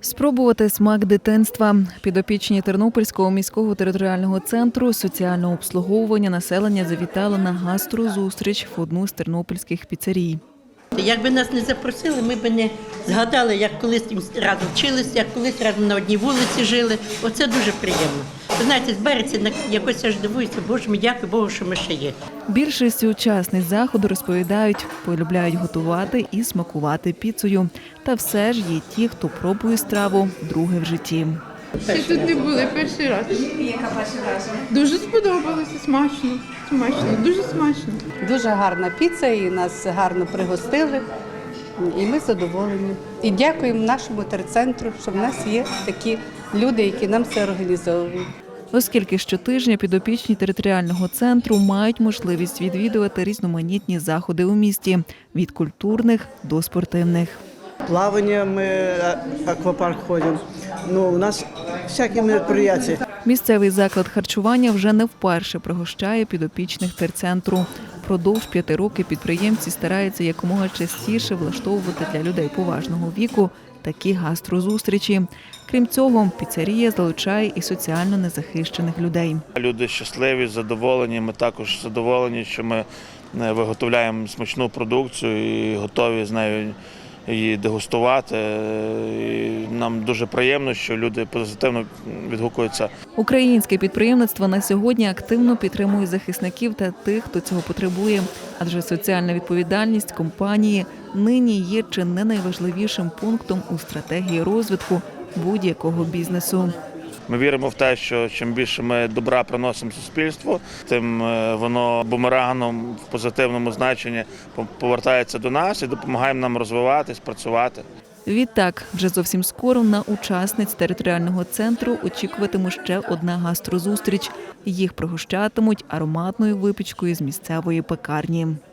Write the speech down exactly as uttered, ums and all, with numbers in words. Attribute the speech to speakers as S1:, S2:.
S1: Спробувати смак дитинства. Підопічні Тернопільського міського територіального центру соціального обслуговування населення завітали на гастрозустріч в одну з тернопільських піцерій.
S2: Якби нас не запросили, ми б не згадали, як колись разом вчилися, як колись разом на одній вулиці жили. Оце дуже приємно. Ви знаєте, збереться, якось аж дивуюся, Боже мій, дякую Богу, що ми ще є.
S1: Більшість учасниць заходу розповідають, полюбляють готувати і смакувати піцею. Та все ж є ті, хто пробує страву вдруге в житті.
S3: Ще тут не були перший раз.
S4: Яка перша враження?
S3: Дуже сподобалося, смачно, смачно, дуже смачно.
S5: Дуже гарна піца, і нас гарно пригостили, і ми задоволені. І дякуємо нашому терцентру, що в нас є такі люди, які нам це організовують.
S1: Оскільки щотижня підопічні територіального центру мають можливість відвідувати різноманітні заходи у місті – від культурних до спортивних.
S6: Плавание, мы аквапарк ходим. Ну, у нас всякі мероприятия.
S1: Місцевий заклад харчування вже не вперше пригощає підопічних терцентру. Продовж п'яти років підприємці стараються якомога частіше влаштовувати для людей поважного віку такі гастрозустрічі. Крім цього, піцерія залучає і соціально незахищених людей.
S7: Люди щасливі, задоволені. Ми також задоволені, що ми виготовляємо смачну продукцію і готові з нею її дегустувати. І нам дуже приємно, що люди позитивно відгукуються.
S1: Українське підприємництво на сьогодні активно підтримує захисників та тих, хто цього потребує. Адже соціальна відповідальність компанії нині є чи не найважливішим пунктом у стратегії розвитку будь-якого бізнесу.
S7: Ми віримо в те, що чим більше ми добра приносимо суспільству, тим воно бумерангом в позитивному значенні повертається до нас і допомагає нам розвиватись, працювати.
S1: Відтак, вже зовсім скоро на учасниць територіального центру очікуватиме ще одна гастрозустріч. Їх пригощатимуть ароматною випічкою з місцевої пекарні.